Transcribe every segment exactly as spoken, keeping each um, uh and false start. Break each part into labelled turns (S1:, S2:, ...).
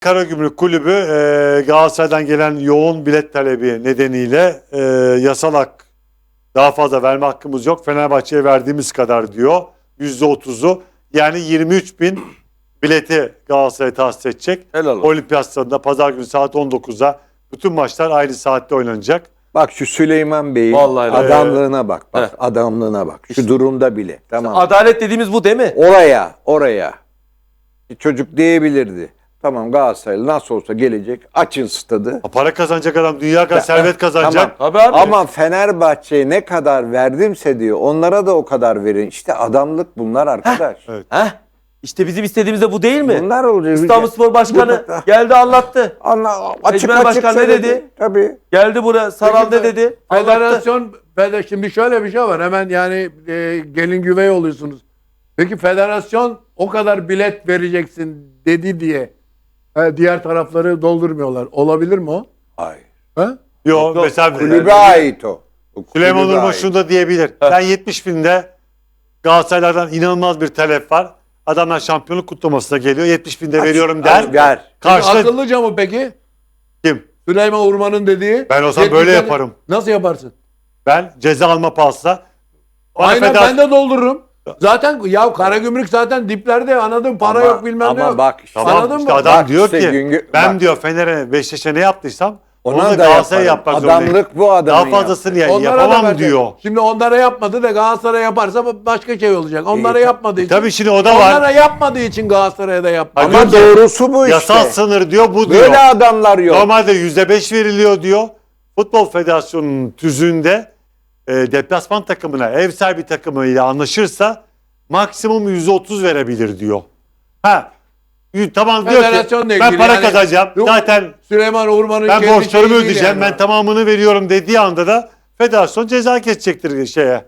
S1: Karagümrük Kulübü e, Galatasaray'dan gelen yoğun bilet talebi nedeniyle e, yasal hak daha fazla verme hakkımız yok. Fenerbahçe'ye verdiğimiz kadar diyor. yüzde otuzu yani yirmi üç bin bileti Galatasaray'a tahsis edecek.
S2: Helal olsun.
S1: Olimpiyat Stadı'nda pazar günü saat on dokuzda bütün maçlar aynı saatte oynanacak.
S3: Bak şu Süleyman Bey'in
S2: Vallahi
S3: adamlığına bak. Bak
S2: Heh.
S3: adamlığına bak. Şu durumda bile. Tamam.
S2: Adalet dediğimiz bu değil mi?
S3: Oraya, oraya. Bir çocuk diyebilirdi. Tamam Galatasaray nasıl olsa gelecek. Açın stadı.
S1: Ha, para kazanacak adam, dünya kadar servet kazanacak.
S3: Tamam.
S2: Tabii abi.
S3: Ama Fenerbahçe'ye ne kadar verdimse diyor. Onlara da o kadar verin. İşte adamlık bunlar arkadaş.
S1: Evet.
S2: Heh. İşte bizim istediğimiz de bu değil mi?
S3: Bunlar olacak.
S2: İstanbulspor Başkanı
S3: Bu-
S2: geldi anlattı.
S3: Anla, açık
S2: Ecmen
S3: açık
S2: Başkan ne
S3: söyledi.
S2: dedi?
S3: Tabii.
S2: Geldi buraya Saral ne dedi? Anlattı.
S4: Federasyon, feder, şimdi şöyle bir şey var. Hemen yani e, gelin güvey oluyorsunuz. Peki federasyon o kadar bilet vereceksin dedi diye e, diğer tarafları doldurmuyorlar. Olabilir mi o?
S3: Hayır.
S4: Ha?
S1: Yok,
S2: Yok,
S1: mesela
S3: Kulübe ait o. O
S1: Süleyman
S3: kulübe
S1: Urma
S3: ait.
S1: şunu da diyebilir. Ben yetmiş binde Galatasaraylardan inanılmaz bir talep var. Adamlar şampiyonluk kutlamasına geliyor. yetmiş binde veriyorum der.
S3: Aç, ver.
S1: Karşıda
S4: Akıllıca mı peki?
S1: kim?
S4: Süleyman Urman'ın dediği.
S1: Ben olsam
S4: yetmiş
S1: böyle
S4: tane-
S1: yaparım.
S4: Nasıl yaparsın?
S1: Ben ceza alma pahasına. Bana
S4: Aynen
S1: federasyon-
S4: ben de doldururum. Zaten ya Karagümrük zaten diplerde anladın para
S3: Ama-
S4: yok bilmem ne
S3: ama
S4: yok.
S3: bak işte-
S1: Tamam,
S4: Anladın
S1: işte
S4: mı?
S1: adam
S3: Bak
S1: diyor
S3: işte
S1: ki
S3: Güngör-
S1: ben
S3: bak.
S1: diyor Fener'e Beşiktaş'a ne yaptıysam onu
S3: Ona
S1: da
S3: da
S1: Galatasaray'a
S3: yaparım.
S1: yapmak zorundayım.
S3: Adamlık bu adamın
S1: Daha fazlasını ya,
S4: Onlara da
S1: yapamam
S4: verecek.
S1: diyor.
S4: Şimdi onlara yapmadı da Galatasaray yaparsa başka şey olacak. Onlara
S3: İyi,
S4: yapmadığı için.
S1: Tabii şimdi o da var.
S4: Onlara yapmadığı için Galatasaray'a da yapmadı.
S1: Hadi
S3: Ama
S1: diyor ki,
S3: doğrusu bu işte.
S1: Yasal sınır diyor, bu diyor.
S3: Böyle adamlar yok.
S1: Normalde yüzde beş veriliyor diyor. Futbol Federasyonu'nun tüzüğünde e, deplasman takımına, ev sahibi takımıyla anlaşırsa maksimum yüzde otuz verebilir diyor. Ha, y- tamam diyor ki
S4: Federasyonla
S1: ben
S4: ilgili
S1: para
S4: yani-
S1: kazanacağım.
S4: Yok,
S1: Zaten
S4: Süleyman Urman'ın
S1: ben
S4: kendi
S1: borçlarımı
S4: şeyi değil
S1: ödeyeceğim.
S4: yani.
S1: Ben tamamını veriyorum dediği anda da federasyon ceza kesecektir şeye.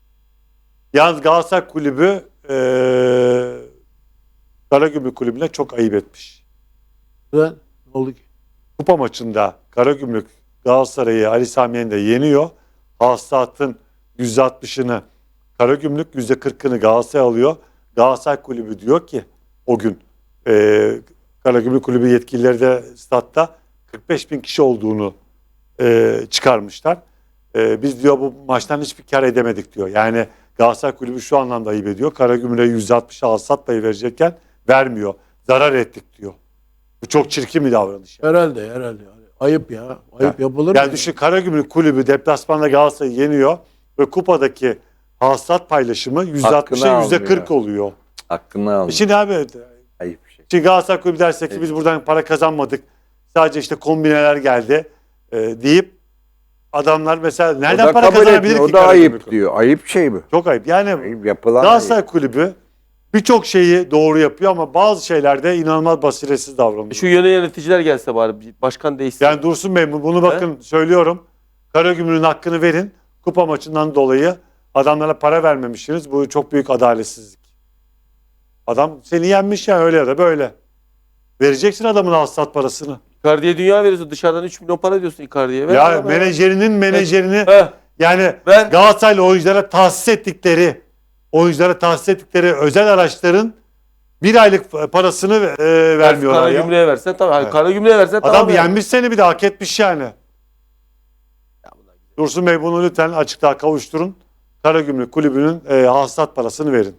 S1: Yalnız Galatasaray Kulübü e, Karagümrük Kulübü'ne çok ayıp etmiş.
S4: Ne oldu ki?
S1: Kupa maçında Karagümrük Galatasaray'ı Ali Sami Yen'de yeniyor. Hasılatın yüzde altmışını Karagümrük, yüzde kırkını Galatasaray alıyor. Galatasaray Kulübü diyor ki o gün e, Karagümrük Kulübü yetkilileri de statta kırk beş bin kişi olduğunu e, çıkarmışlar. E, biz diyor bu maçtan hiçbir kar edemedik diyor. Yani Galatasaray Kulübü şu anlamda ayıp ediyor. Karagümrük'e yüzde altmış hasılat payı verecekken vermiyor. Zarar ettik diyor. Bu çok çirkin bir davranış. Yani.
S4: Herhalde herhalde. Ayıp ya. Ayıp yapılır mı?
S1: Yani düşün, Karagümrük Kulübü deplasmanda Galatasaray'ı yeniyor ve kupadaki hasılat paylaşımı yüzde altmışa
S3: Hakkını
S1: yüzde
S3: almıyor.
S1: kırk oluyor.
S3: Hakkını al.
S1: Şimdi abi
S3: Ayıp bir şey.
S1: şimdi Galatasaray Kulübü derse ki biz buradan para kazanmadık. Sadece işte kombineler geldi e, deyip adamlar mesela
S3: O
S1: nereden
S3: da
S1: para
S3: kabul
S1: kazanabilir
S3: etmiyor.
S1: ki
S3: O da
S1: Karagümrük
S3: ayıp
S1: Kulübü?
S3: diyor. Ayıp şey bu.
S1: Çok ayıp. Yani
S3: Ayıp yapılan
S1: Galatasaray
S3: ayıp.
S1: Kulübü birçok şeyi doğru yapıyor ama bazı şeylerde inanılmaz basiretsiz davranıyor.
S2: Şu yöne yöneticiler gelse bari bir başkan değişsin.
S1: Yani Dursun Bey bunu bakın söylüyorum. Karagümrük'ün hakkını verin. Kupa maçından dolayı adamlara para vermemişsiniz. Bu çok büyük adaletsizlik. Adam seni yenmiş ya öyle ya da böyle. Vereceksin adamın hasılat parasını.
S2: Icardi'ye dünya veriyorsun. Dışarıdan üç milyon para diyorsun Icardi'ye. Ver
S1: Ya
S2: adama
S1: menajerinin menajerini
S2: Heh.
S1: yani
S2: Ben-
S1: Galatasaraylı oyunculara tahsis ettikleri oyunculara tahsis ettikleri özel araçların bir aylık parasını e, vermiyorlar ya.
S2: Karagümrük'e versen tamam.
S1: Evet.
S2: Karagümrük'e versen
S1: Adam
S2: tamam. yani.
S1: yenmiş seni, bir de hak etmiş yani. Dursun Bey bunu lütfen açıklığa kavuşturun. Karagümrük Kulübü'nün e, hasılat parasını verin.